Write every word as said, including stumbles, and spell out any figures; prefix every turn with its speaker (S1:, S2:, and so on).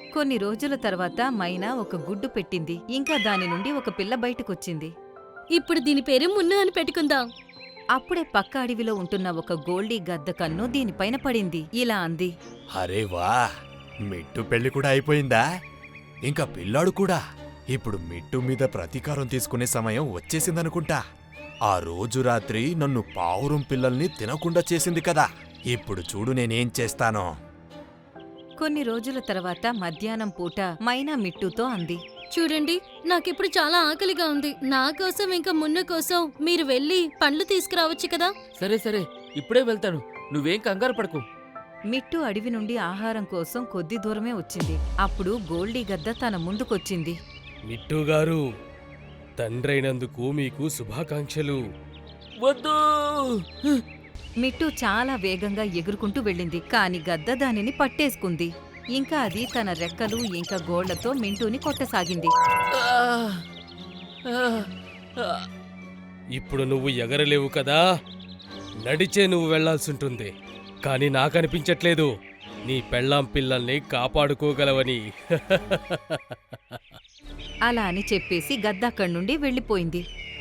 S1: కొన్ని రోజుల తర్వాత మైనా ఒక గుడ్డు పెట్టింది. ఇంకా దాని నుండి ఒక పిల్ల బయటకొచ్చింది.
S2: ఇప్పుడు దీని పేరు మున్ను అని పెట్టుకుందాం.
S1: అప్పుడే పక్క అడవిలో ఉంటున్న ఒక గోల్డీ గద్ద కన్ను దీనిపైన పడింది. ఇలా అంది,
S3: అరే వా, మిట్టు పెళ్లి కూడా అయిపోయిందా? ఇంకా పిల్లాడు కూడా. ఇప్పుడు మిట్టు మీద ప్రతీకారం తీసుకునే సమయం వచ్చేసిందనుకుంటా. ఆ రోజు రాత్రి నన్ను పావురం పిల్లల్ని తినకుండా చేసింది కదా. ఇప్పుడు చూడు నేనేం చేస్తానో.
S1: కొన్ని రోజుల తర్వాత మధ్యాహ్నం పూట మైనా మిట్టుతో అంది,
S2: చూడండి, నాకిప్పుడు చాలా ఆకలిగా ఉంది. నా కోసం ఇంకా మున్ను కోసం మీరు వెళ్ళి పండ్లు తీసుకురావచ్చు కదా.
S4: సరే సరే, ఇప్పుడే వెళ్తాను, నువ్వేం కంగారు పడకు.
S1: మిట్టు అడవి నుండి ఆహారం కోసం కొద్ది దూరమే వచ్చింది. అప్పుడు గోల్డీ గద్ద తన ముందుకొచ్చింది.
S5: మిట్టుగారు, తండ్రైనందుకు మీకు శుభాకాంక్షలు.
S4: వద్దు.
S1: మిట్టు చాలా వేగంగా ఎగురుకుంటూ వెళ్ళింది. కాని గద్ద దానిని పట్టేసుకుంది. ఇంకా అది తన రెక్కలు ఇంకా గోళ్లతో మింటూని కొట్టసాగింది.
S4: ఆ, ఆ, ఆ.
S5: ఇప్పుడు నువ్వు ఎగరలేవు కదా, నడిచే నువ్వు వెళ్లాల్సుంటుంది. కాని నాకనిపించట్లేదు నీ పెళ్ళాం పిల్లల్ని కాపాడుకోగలవని.
S1: అలా అని చెప్పేసి గద్ద అక్కడి నుండి వెళ్ళిపోయింది.